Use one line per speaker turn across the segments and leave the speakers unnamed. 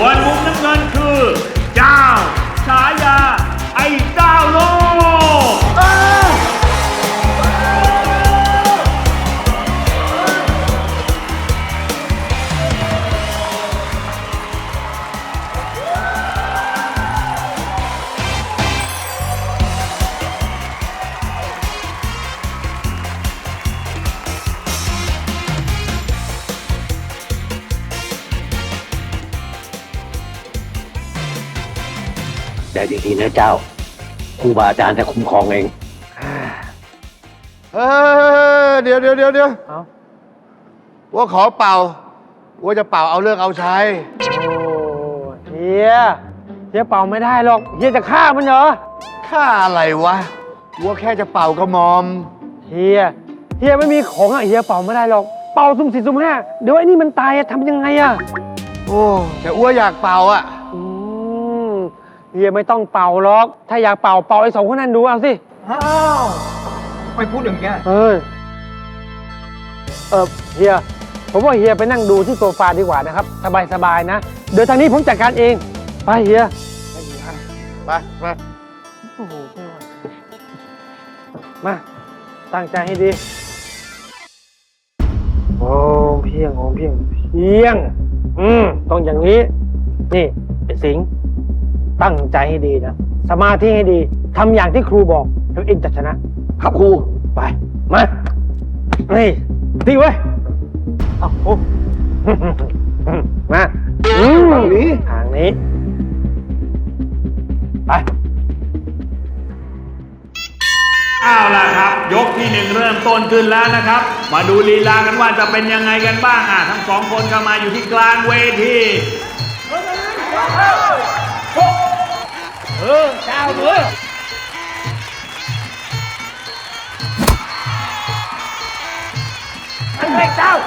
ส่วนมุมน้ำเงินคือเจ้าฉายาไอ้เจ้าโลก
แต่ดีๆนะเจ้าครูบาอาจารย์จะคุ้มครองเอง
เดี๋ยวว่าขอเป่าว่าจะเป่าเอาเลิกเอาใช้
เฮียเป่าไม่ได้หรอกเฮียจะฆ่ามันเหรอ
ฆ่าอะไรวะว่าแค่จะเป่ากระหมอม
เฮียไม่มีของอ่ะเฮียเป่าไม่ได้หรอกเป่าสุ่มสี่สุ่มห้าเดี๋ยวไอ้นี่มันตายทำยังไงอ่ะ
โอ้แต่อ้วอยากเป่าอ่ะ
เฮียไม่ต้องเป่าหรอกถ้าอยากเป่าไอ้สองคนนั้นดูเอาสิ
ไม่พูดอย่างเงี้ย
เฮียผมว่าเฮียไปนั่งดูที่โซฟาดีกว่านะครับสบายๆนะเดี๋ยวทางนี้ผมจัดการเองไปเฮีย
ไป
โอ้โหมาตั้งใจให้ดีโอ้เพียงต้องอย่างนี้นี่ไอ้สิงห์ตั้งใจให้ดีนะสมาธิให้ดีทำอย่างที่ครูบอกแล้วเองจะชนะครับครูไปมานี่ที่ไว้เอาโอ้มาทางนี้ไป
เอาล่ะครับยกที่1เริ่มต้นขึ้นแล้วนะครับมาดูลีลากันว่าจะเป็นยังไงกันบ้างทั้งสองคนเข้ามาอยู่ที่กลางเวที
เจ้าด้วยไอ้เด็กเจ้า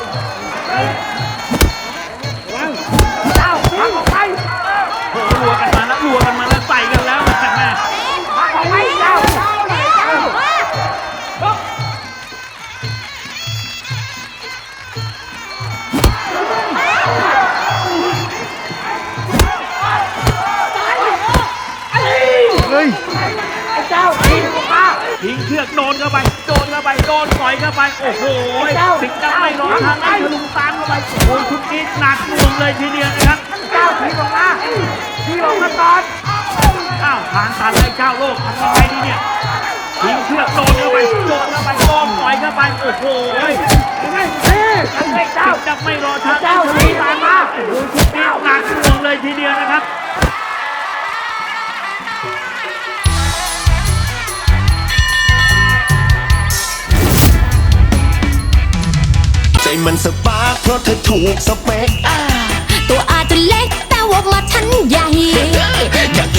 ทางออกไป
รัวกันมาแล้วใส่กันแล้วแม่
ทางออกไปเจ้า
ทิ้งเชือกโดนเข้าไปโดนต่อยเข้าไปโอ้โหสิงห์ดำไม่รอทางไอ้ทะลุตามเข้าไปโอ้ยชุดนี้หนักหน่วงเลยทีเดียวนะครับ
เจ้าทีลงมาก่อน
ทางตันไอ้เจ้าโลกทำยังไงดีเนี่ยทิ้งเชือกโดนเข้าไปโดนต่อยเข้าไปโอ้โหสิงห์ดำไม่รอทางไอ้ทะลุตามมาโอ้โหชุดนี้หนักหน่วงเลยทีเดียวนะครับ
ใจมันสปาร์คเพราะเธอถูกสเปค
ตัวอาจจะเล็กแต่วงละฉันใหญ่
อยาก